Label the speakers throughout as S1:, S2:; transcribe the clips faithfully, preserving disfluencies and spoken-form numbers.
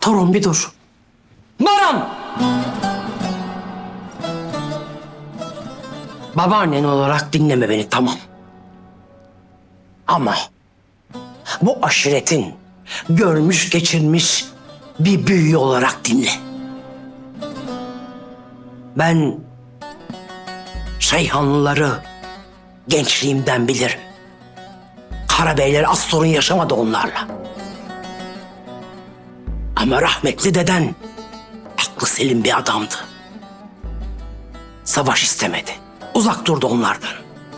S1: Torun bir dur. Baran! Babaannen olarak dinleme beni, tamam. Ama bu aşiretin görmüş geçirmiş bir büyüğü olarak dinle. Ben Şeyhanlıları gençliğimden bilirim. Karabeyler az sorun yaşamadı onlarla. Ama rahmetli deden aklı selim bir adamdı. Savaş istemedi. Uzak durdu onlardan.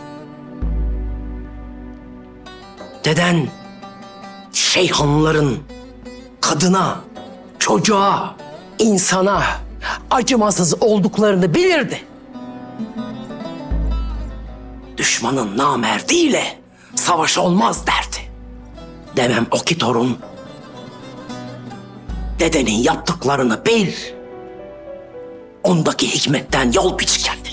S1: Deden Şeyhanlıların kadına, çocuğa, insana acımasız olduklarını bilirdi. Düşmanın namerdiyle savaş olmaz derdi. Demem o ki torun, dedenin yaptıklarını bil. Ondaki hikmetten yol biç kendine.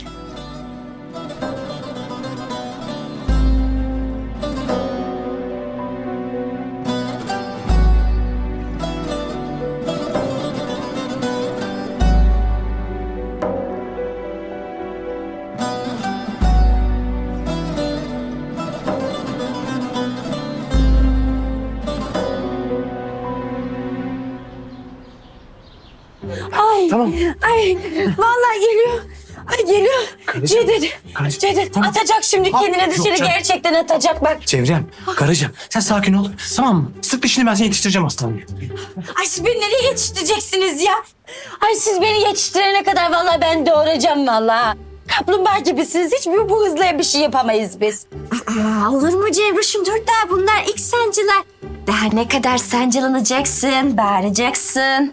S2: Ay,
S3: Tamam.
S2: ay, vallahi geliyor. Ay geliyor. Cevdet,
S3: karıcığım,
S2: Cevdet
S3: tamam.
S2: atacak şimdi kendini
S3: Yok
S2: dışarı,
S3: canım.
S2: gerçekten atacak bak.
S3: Cevrem, karıcığım sen sakin ol. Tamam mı? Sık dişini, ben seni yetiştireceğim hastaneye.
S2: Ay siz beni nereye yetiştireceksiniz ya? Ay siz beni yetiştirene kadar vallahi ben doğuracağım vallahi. Kaplumbağa gibisiniz. Hiç bu, bu hızla bir şey yapamayız biz.
S4: Aa, olur mu Cevruş'um? Dur daha bunlar ilk sancılar. Daha ne kadar sancılanacaksın, bağıracaksın.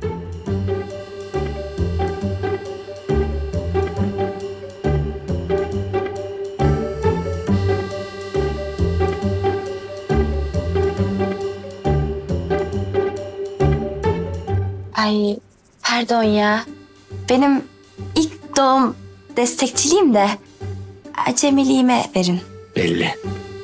S4: Ay pardon ya. Benim ilk doğum destekçiliğim de acemiliğime verin.
S1: Belli.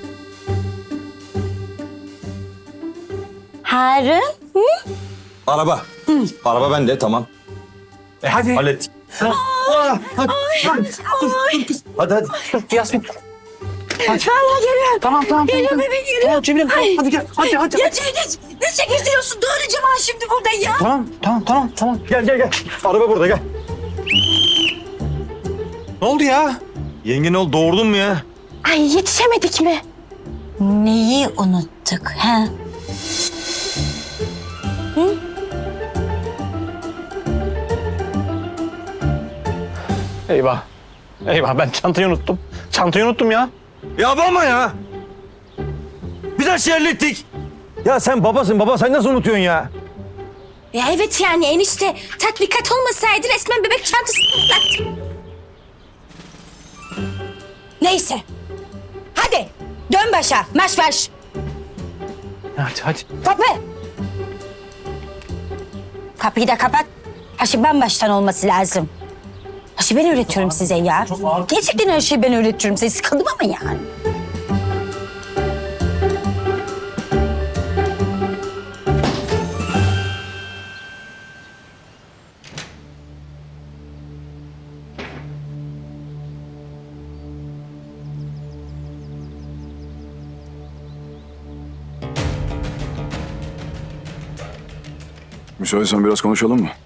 S2: Harun.
S5: Araba. Araba bende, tamam.
S3: E hadi.
S5: Hallettik.
S3: Aa, hadi, hadi. Dur, dur kız.
S5: Hadi hadi.
S3: Dur Yasmin. Hadi.
S2: Vallahi geliyor.
S3: Tamam tamam.
S2: Geliyor
S3: tamam.
S2: bebeğim geliyor.
S3: Tamam Cemilem, tamam.
S2: Ay.
S3: Hadi gel. Hadi hadi.
S2: Ya Cevdet ne çekiştiriyorsun? Doğuracağım ha şimdi burada ya.
S3: Tamam tamam tamam tamam.
S5: Gel gel gel. Araba burada, gel. Ne oldu ya? Yenge ne oldu? Doğurdun mu ya?
S4: Ay yetişemedik mi?
S2: Neyi unuttuk ha?
S3: Eyvah. Eyvah, ben çantayı unuttum. Çantayı unuttum ya.
S5: Ya baba ya. Biz her şeyi hallettik. Ya sen babasın baba, sen nasıl unutuyorsun ya?
S4: Ya evet yani enişte tatbikat olmasaydı resmen bebek çantası patlattı.
S2: Neyse. Hadi dön başa. Marş marş.
S3: Hadi hadi.
S2: Kapı. Kapıyı da kapat. Her şey baştan olması lazım. Her şeyi ben öğretiyorum size ya. Gerçekten her şeyi ben öğretiyorum size. Sıkıldım ama yani.
S6: Müsaitsen biraz konuşalım mı?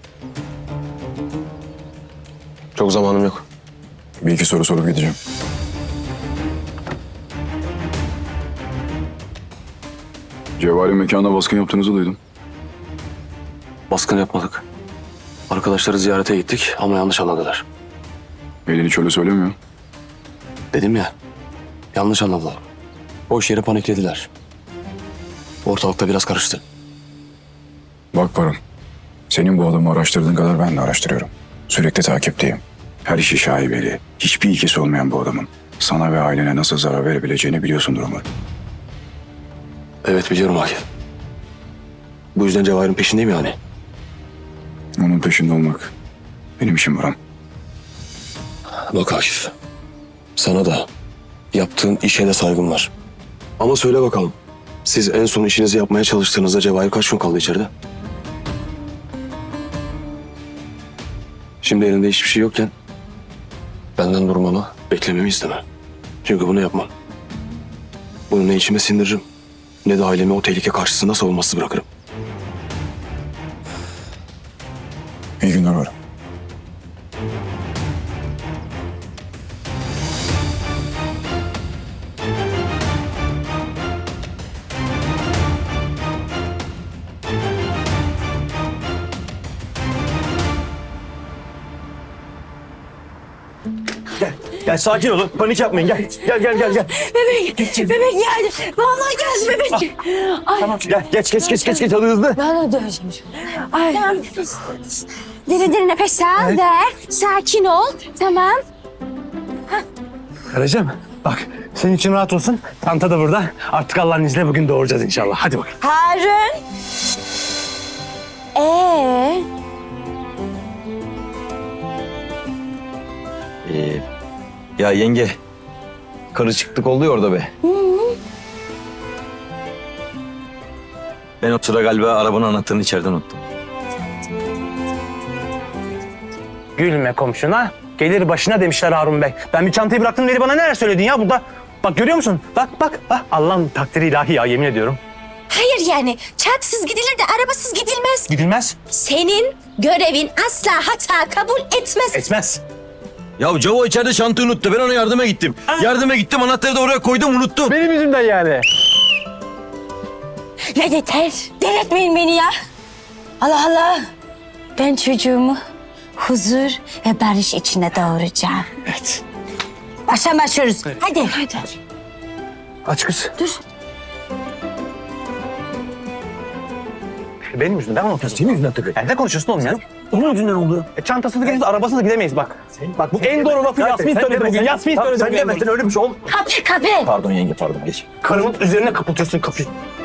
S7: Çok zamanım yok.
S6: Bir iki soru sorup gideceğim. Cevahir'in mekanına baskın yaptığınızı duydum.
S7: Baskın yapmadık. Arkadaşları ziyarete gittik ama yanlış anladılar.
S6: Elini çöle söylemiyor.
S7: Dedim ya, yanlış anladılar. Boş yere paniklediler. Ortalıkta biraz karıştı.
S6: Bak Baran, senin bu adamı araştırdığın kadar ben de araştırıyorum. Sürekli takipteyim. Her işi şaibeli, hiçbir ilgisi olmayan bu adamın sana ve ailene nasıl zarar verebileceğini biliyorsundur umarım.
S7: Evet biliyorum Akif. Bu yüzden Cevahir'in peşindeyim yani.
S6: Onun peşinde olmak benim işim Baran.
S7: Bak Akif, sana da yaptığın işe de saygım var. Ama söyle bakalım, siz en son işinizi yapmaya çalıştığınızda Cevahir kaç gün kaldı içeride? Şimdi elinde hiçbir şey yokken benden durmamı, beklememi isteme. Çünkü bunu yapmam. Bunu ne içime sindiririm ne de ailemi o tehlike karşısında savunmasız bırakırım.
S6: İyi günler varım.
S5: Gel. Gel sakin olun. Panik yapmayın. Gel. Gel gel gel gel.
S2: Bebek, bebek geldi. Vallahi geldi bebek. Ay,
S5: Tamam. Gel. Geç geç geç geç geç. Hadi hızlı.
S2: ben de döveceğim şimdi. Ay.
S4: Derin derin nefes al, ver. Sakin ol. Tamam.
S3: Karıcığım bak senin için rahat olsun. Tanta da burada. Artık Allah'ın izniyle bugün doğuracağız inşallah. Hadi bakalım.
S2: Harun. Ee,
S5: Ee, ya yenge. Karı çıktık oldu ya orada be. Ben o sıra galiba arabanın anahtarını içeriden unuttum.
S3: Gülme komşuna. Gelir başına demişler Harun Bey. Ben bir çantayı bıraktım dedi bana neler söyledin ya burada. Bak görüyor musun? Bak bak. bak. Allah'ın takdiri ilahi ya yemin ediyorum.
S4: Hayır yani çantasız gidilir de arabasız gidilmez.
S3: Gidilmez.
S4: Senin görevin asla hata kabul etmez.
S3: Etmez.
S5: Ya Cavo içeride çantayı unuttu. Ben ona yardıma gittim. Yardıma gittim anahtarı da oraya koydum unuttum.
S3: Benim yüzümden yani.
S2: ya yeter. Delirtmeyin beni ya. Allah Allah. Ben çocuğumu huzur ve barış içinde doğuracağım.
S3: Evet.
S2: Baştan başlıyoruz. Hadi. Hadi.
S3: Aç kız. Dur. Benim yüzümden mi unutuyorsun?
S5: Senin yüzünden tabii.
S3: Ya ne konuşuyorsun oğlum ya?
S5: Onun yüzünden oldu.
S3: E, çantasız gidemeyiz, arabasız gidemeyiz bak. Bak bu en doğru lafı
S5: Ya
S3: Yasmin
S5: sen
S3: söyledi
S5: deme,
S3: bugün.
S5: sen-
S3: Yasmin
S5: Tamam,
S3: söyledi
S5: sen
S3: bugün.
S5: demesen öyle bir şey olmaz.
S2: Kapı kapı.
S5: Pardon yenge pardon geç.
S3: Karımın üzerine kapatıyorsun kapıyı.